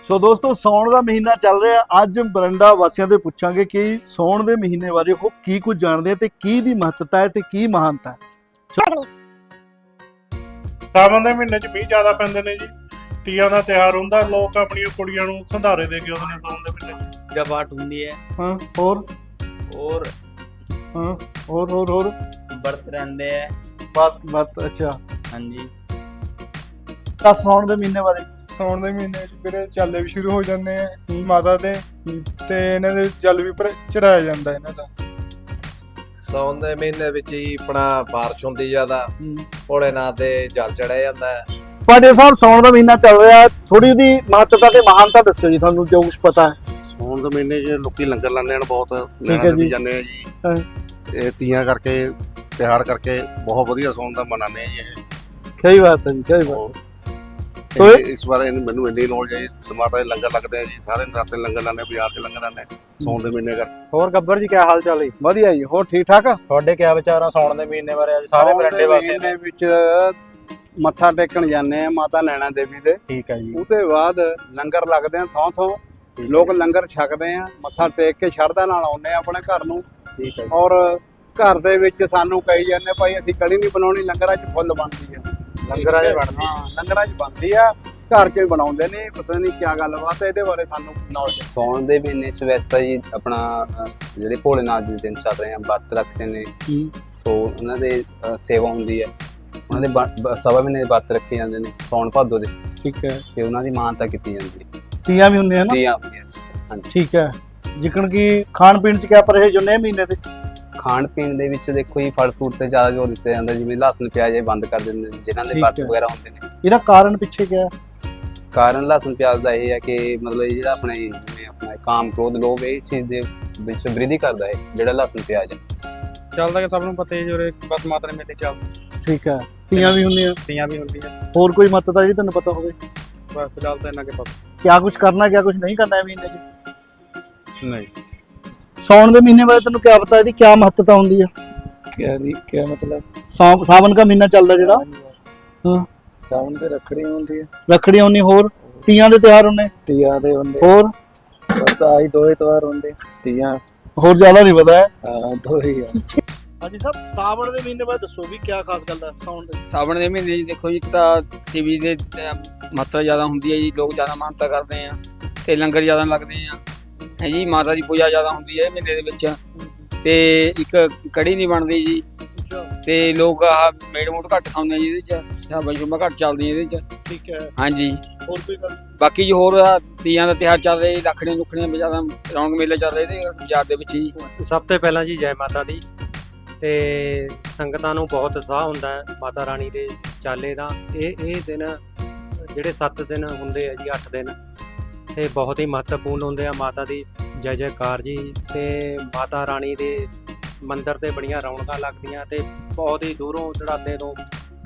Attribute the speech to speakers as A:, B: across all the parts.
A: ਸੋ ਦੋਸਤੋ ਸਾਉਣ ਦਾ ਮਹੀਨਾ ਚੱਲ ਰਿਹਾ। ਅੱਜ ਬਰੰਡਾ ਵਾਸੀਆਂ ਤੋਂ ਪੁੱਛਾਂਗੇ ਕਿ ਸਾਉਣ ਦੇ ਮਹੀਨੇ ਬਾਰੇ ਉਹ ਕੀ ਕੁਝ ਜਾਣਦੇ ਆ ਤੇ ਕੀ ਦੀ ਮਹੱਤਤਾ ਹੈ ਤੇ ਕੀ ਮਹਾਨਤਾ ਹੈ।
B: ਸਾਵਣ ਦੇ ਮਹੀਨੇ 'ਚ ਮੀਂਹ ਜ਼ਿਆਦਾ ਪੈਂਦੇ ਨੇ ਜੀ। ਤੀਆਂ ਦਾ ਤਿਉਹਾਰ ਹੁੰਦਾ, ਲੋਕ ਆਪਣੀਆਂ ਕੁੜੀਆਂ ਨੂੰ ਸੰਧਾਰੇ ਦੇ ਕੇ ਆਉਂਦੇ ਨੇ ਸਾਉਣ ਦੇ ਮਹੀਨੇ 'ਚ।
C: पूजा पाठ होती है
A: ਹਾਂ ਹੋਰ
C: और
A: ਹਾਂ ਹੋਰ
C: व्रत रहते हैं।
A: ਬਾਤ ਅੱਛਾ।
C: हाँ जी,
A: ਤਾਂ ਸਾਉਣ ਦੇ ਮਹੀਨੇ ਬਾਰੇ
D: ਸਾਉਣ ਦੇ ਮਹੀਨੇ ਵਿੱਚ ਵੀਰੇ ਚਾਲੇ ਵੀ ਸ਼ੁਰੂ ਹੋ ਜਾਂਦੇ ਆ ਮਾਤਾ ਦੇ ਤੇ ਇਹਨਾਂ ਦੇ ਜਲ ਵੀ ਚੜਾਇਆ ਜਾਂਦਾ ਇਹਨਾਂ ਦਾ।
E: ਸਾਉਣ ਦੇ ਮਹੀਨੇ ਵਿੱਚ ਹੀ ਆਪਣਾ ਬਾਰਿਸ਼ ਹੁੰਦੀ ਜ਼ਿਆਦਾ, ਭੋਲੇਨਾਥ ਦੇ ਜਲ ਚੜਿਆ ਜਾਂਦਾ ਹੈ।
A: ਤੁਹਾਡੇ ਸਾਹਿਬ ਸਾਉਣ ਦਾ ਮਹੀਨਾ ਚੱਲ ਰਿਹਾ, ਥੋੜੀ ਉਹਦੀ ਮਹੱਤਤਾ ਤੇ ਮਹਾਨਤਾ ਦੱਸੋ ਜੀ, ਤੁਹਾਨੂੰ ਜੋ ਕੁਝ ਪਤਾ ਹੈ।
F: ਸਾਉਣ ਦੇ ਮਹੀਨੇ 'ਚ ਲੋਕੀ ਲੰਗਰ ਲਾਉਂਦੇ ਹਨ, ਬਹੁਤ
A: ਠੀਕ ਹੈ ਜੀ।
F: ਜਾਂਦੇ ਆ ਜੀ।
A: ਹਾਂ।
F: ਇਹ ਤੀਆਂ ਕਰਕੇ ਤਿਉਹਾਰ ਕਰਕੇ ਬਹੁਤ ਵਧੀਆ ਸਾਉਣ ਦਾ ਮਨਾਉਂਦੇ ਆ ਜੀ ਇਹ।
A: ਸਹੀ ਬਾਤ ਹੈ ਜੀ, ਸਹੀ ਬਾਤ।
F: ਤੇ ਇਸ ਬਾਰੇ ਮੈਨੂੰ ਇੰਨੀ ਨੌਲੇਜ ਹੈ ਜੀ। ਮਾਤਾ ਦੇ ਲੰਗਰ ਲੱਗਦੇ ਆ ਜੀ, ਸਾਰੇ ਰਾਤੇ ਲੰਗਰ ਲਾਉਂਦੇ, ਬਾਜ਼ਾਰ 'ਚ ਲੰਗਰ ਲਾਉਂਦੇ ਸਾਉਣ ਦੇ ਮਹੀਨੇ ਕਰ।
G: ਹੋਰ ਗੱਬਰ ਜੀ ਕਿਆ ਹਾਲ ਚਾਲ ਹੈ?
A: ਵਧੀਆ ਜੀ, ਹੋਰ ਠੀਕ ਠਾਕ।
G: ਤੁਹਾਡੇ ਕਿਆ ਵਿਚਾਰ ਆ ਸਾਉਣ ਦੇ ਮਹੀਨੇ ਬਾਰੇ? ਅੱਜ ਸਾਰੇ ਬਰੰਡੇ ਵਾਸਤੇ
H: ਦੇ ਵਿੱਚ ਮੱਥਾ ਟੇਕਣ ਜਾਂਦੇ ਆ ਮਾਤਾ ਨੈਣਾ ਦੇਵੀ ਦੇ।
G: ਠੀਕ ਹੈ ਜੀ।
H: ਉਹਦੇ ਬਾਅਦ ਲੰਗਰ ਲੱਗਦੇ ਆ ਥੋਂ ਲੋਕ ਲੰਗਰ ਛਕਦੇ ਆ, ਮੱਥਾ ਟੇਕ ਕੇ ਸ਼ਰਧਾ ਨਾਲ ਆਉਂਦੇ ਆ ਆਪਣੇ ਘਰ ਨੂੰ।
G: ਠੀਕ ਹੈ।
H: ਔਰ ਘਰ ਦੇ ਵਿੱਚ ਸਾਨੂੰ ਕਹੀ ਜਾਂਦੇ ਭਾਈ ਅਸੀਂ ਕੜੀ ਨਹੀਂ ਬਣਾਉਣੀ, ਲੰਗਰਾਂ 'ਚ ਫੁੱਲ ਬਣਦੀ ਆ।
G: ਲੰਗਰਾਂ 'ਚ ਬਣਦੀ?
H: ਹਾਂ, ਲੰਗਰਾਂ 'ਚ ਬਣਦੀ ਆ, ਘਰ 'ਚ ਬਣਾਉਂਦੇ ਨੇ। ਪਤਾ ਨਹੀਂ ਕੀ ਗੱਲਬਾਤ ਹੈ, ਇਹਦੇ ਬਾਰੇ ਸਾਨੂੰ ਨੌਲੇਜ।
C: ਸਾਉਣ ਦੇ ਮਹੀਨੇ 'ਚ ਵੈਸੇ ਤਾਂ ਜੀ ਆਪਣਾ ਜਿਹੜੇ ਭੋਲੇਨਾਥ ਦੇ ਦਿਨ ਚੱਲ ਰਹੇ ਆ, ਵਰਤ ਰੱਖਦੇ ਨੇ। ਸੋ ਉਹਨਾਂ ਦੇ ਸੇਵਾ ਹੁੰਦੀ ਹੈ, ਉਹਨਾਂ ਦੇ ਸਵਾ ਮਹੀਨੇ ਦੇ ਵਰਤ ਰੱਖੇ ਜਾਂਦੇ ਨੇ ਸਾਉਣ ਭਾਦੋ ਦੇ।
A: ਠੀਕ ਹੈ।
C: ਤੇ ਉਹਨਾਂ ਦੀ ਮਾਨਤਾ ਕੀਤੀ ਜਾਂਦੀ ਹੈ।
A: ਤੀਆਂ ਵੀ ਹੁੰਦੀਆਂ ਨਾ।
C: ਤੀਆਂ ਹੁੰਦੀਆਂ, ਹਾਂਜੀ।
A: ਠੀਕ ਹੈ। ਜਿਕਣ ਕਿ ਖਾਣ ਪੀਣ 'ਚ ਕਿਆ ਪਰਹੇਜ਼ ਹੁੰਦੇ ਆ ਮਹੀਨੇ ਤੇ?
C: ਖਾਣ ਪੀਣ ਦੇ ਵਿੱਚ ਦੇਖੋ ਜੀ ਫਲ ਫਰੂਟ ਤੇ ਜ਼ਿਆਦਾ ਜ਼ੋਰ ਦਿੱਤਾ ਜਾਂਦਾ, ਜਿਵੇਂ ਲਸਣ ਪਿਆਜ਼ ਇਹ ਬੰਦ ਕਰ ਦਿੰਦੇ ਨੇ ਜਿਨ੍ਹਾਂ ਦੇ
A: ਠੀਕ
C: ਵਰਤ
A: ਹੈ।
C: ਵਗੈਰਾ ਹੁੰਦੇ ਨੇ।
A: ਇਹਦਾ ਕਾਰਨ ਪਿੱਛੇ ਕਿਆ ਹੈ?
C: ਕਾਰਨ ਲਸਣ ਪਿਆਜ਼ ਦਾ ਇਹ ਹੈ ਕਿ ਮਤਲਬ ਜਿਹੜਾ ਆਪਣੇ ਜਿਵੇਂ ਆਪਣਾ ਕਾਮ ਕ੍ਰੋਧ ਲੋਭ ਇਹ ਚੀਜ਼ ਦੇ ਵਿੱਚ ਵ੍ਰਿਧੀ ਕਰਦਾ ਹੈ ਜਿਹੜਾ ਲਸਣ ਪਿਆਜ਼ ਹੈ।
G: ਚੱਲਦਾ ਕਿ ਸਭ ਨੂੰ ਪਤਾ ਹੀ ਜੋਰੇ ਬਸ ਮਾਤਾ ਨੇ ਮੇਲੇ ਚੱਲਦੇ।
A: ਠੀਕ ਹੈ। ਤੀਆਂ ਵੀ ਹੁੰਦੀਆਂ,
G: ਤੀਆਂ ਵੀ ਹੁੰਦੀਆਂ।
A: ਹੋਰ ਕੋਈ ਮਹੱਤਤਾ ਜੀ ਤੁਹਾਨੂੰ ਪਤਾ ਹੋਵੇ?
G: ਬਸ ਫਿਲਹਾਲ ਤਾਂ ਇਹਨਾਂ ਕੇ ਪਤਾ
A: ਕਿਆ ਕੁਝ ਕਰਨਾ, ਕਿਆ ਕੁਝ ਨਹੀਂ ਕਰਨਾ ਹੈ ਮਹੀਨੇ 'ਚ?
G: ਨਹੀਂ।
A: ਸਾਉਣ ਦੇ ਮਹੀਨੇ ਬਾਰੇ ਤੁਹਾਨੂੰ ਕਿਆ ਪਤਾ, ਇਹਦੀ ਕਿਆ ਮਹੱਤਤਾ ਹੁੰਦੀ ਹੈ?
D: क्या मतलब
A: ਸਾਵਨ ਦਾ ਮਹੀਨਾ ਚੱਲਦਾ ਜਿਹੜਾ। ਹਾਂ।
D: सावन पे रखड़ी होती है,
A: ਰੱਖੜੀਆਂ ਹੁੰਦੀਆਂ, ਹੋਰ ਤੀਆਂ ਦੇ ਤਿਉਹਾਰ ਹੁੰਦੇ,
D: तिया दे होंगे,
A: ਹੋਰ
D: बस आई दो ही त्योहार होंगे। तिया
A: ਹੋਰ ਜ਼ਿਆਦਾ ਨਹੀਂ ਪਤਾ ਹੈ।
D: हाँ दो ही है।
A: ਹਾਂਜੀ ਸਾਹਿਬ, ਸਾਵਣ ਦੇ ਮਹੀਨੇ ਬਾਰੇ ਦੱਸੋ ਵੀ ਕਿਆ ਖਾਸ ਗੱਲ ਹੈ ਸਾਉਣ ਦੇ?
I: ਸਾਵਣ ਦੇ ਮਹੀਨੇ 'ਚ ਦੇਖੋ ਜੀ, ਇੱਕ ਤਾਂ ਸ਼ਿਵ ਜੀ ਦੇ ਮਾਤਰਾ ਜ਼ਿਆਦਾ ਹੁੰਦੀ ਹੈ ਜੀ, ਲੋਕ ਜ਼ਿਆਦਾ ਮਾਨਤਾ ਕਰਦੇ ਆ ਤੇ ਲੰਗਰ ਜ਼ਿਆਦਾ ਲੱਗਦੇ ਆ ਹੈ ਜੀ। ਮਾਤਾ ਦੀ ਪੂਜਾ ਜ਼ਿਆਦਾ ਹੁੰਦੀ ਹੈ ਮਹੀਨੇ ਦੇ ਵਿੱਚ। ਤੇ ਇੱਕ ਕੜੀ ਨਹੀਂ ਬਣਦੀ ਜੀ, ਤੇ ਲੋਕ ਆਹ ਮੇੜ ਮੂੜ ਘੱਟ ਖਾਂਦੇ ਜੀ ਇਹਦੇ 'ਚ, ਸ਼ਾਬਾਸ਼ ਸ਼ੁਬਾਂ ਘੱਟ ਚੱਲਦੀ ਇਹਦੇ 'ਚ।
A: ਠੀਕ ਹੈ।
I: ਹਾਂਜੀ।
A: ਹੋਰ ਕੋਈ ਗੱਲ?
I: ਬਾਕੀ ਜੀ ਹੋਰ ਤੀਆਂ ਦਾ ਤਿਉਹਾਰ ਚੱਲ ਰਿਹਾ, ਰੱਖੜੀਆਂ ਲੁੱਖੜੀਆਂ ਵੀ ਜ਼ਿਆਦਾ ਰੌਣਕ ਮੇਲੇ ਚੱਲ ਰਹੇ ਤੇ ਬਾਜ਼ਾਰ ਦੇ ਵਿੱਚ ਜੀ।
G: ਸਭ ਤੋਂ ਪਹਿਲਾਂ ਜੀ ਜੈ ਮਾਤਾ ਦੀ। ਤੇ ਸੰਗਤਾਂ ਨੂੰ ਬਹੁਤ ਉਤਸ਼ਾਹ ਹੁੰਦਾ ਹੈ ਮਾਤਾ ਰਾਣੀ ਦੇ ਚਾਲੇ ਦਾ। ਇਹ ਦਿਨ ਜਿਹੜੇ 7 ਦਿਨ ਹੁੰਦੇ ਆ ਜੀ, 8 ਦਿਨ, ਤੇ ਬਹੁਤ ਹੀ ਮਹੱਤਵਪੂਰਨ ਹੁੰਦੇ ਆ। ਮਾਤਾ ਦੀ ਜੈ ਜੈਕਾਰ ਜੀ। ਤੇ ਮਾਤਾ ਰਾਣੀ ਦੇ ਮੰਦਿਰ ਤੇ ਬੜੀਆਂ ਰੌਣਕਾਂ ਲੱਗਦੀਆਂ ਤੇ ਬਹੁਤ ਹੀ ਦੂਰੋਂ ਦਰਾਡੇ ਤੋਂ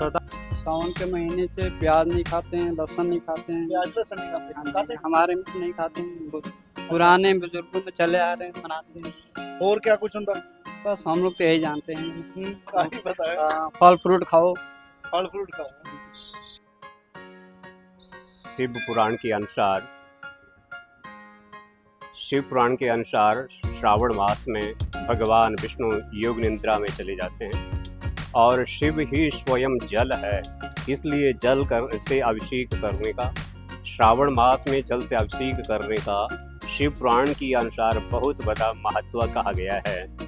H: सावन के महीने से प्याज नहीं खाते हैं, लहसुन नहीं खाते हैं।
A: प्याज लहसुन नहीं खाते?
H: हमारे में नहीं खाते हैं, पुराने बुजुर्गों में चले आ रहे हैं, मनाते हैं।
A: ਹੋਰ ਕਿਆ ਕੁਝ ਹੁੰਦਾ?
H: बस हम लोग तो यही जानते हैं।
A: ਕਾਹੀ पता है।
H: फल फ्रूट खाओ।
A: फल फ्रूट खाओ।
J: शिव पुराण के अनुसार श्रावण मास में भगवान विष्णु योग निद्रा में चले जाते हैं और शिव ही स्वयं जल है, इसलिए से अभिषेक करने का, श्रावण मास में जल से अभिषेक करने का शिव पुराण के अनुसार बहुत बड़ा महत्व कहा गया है।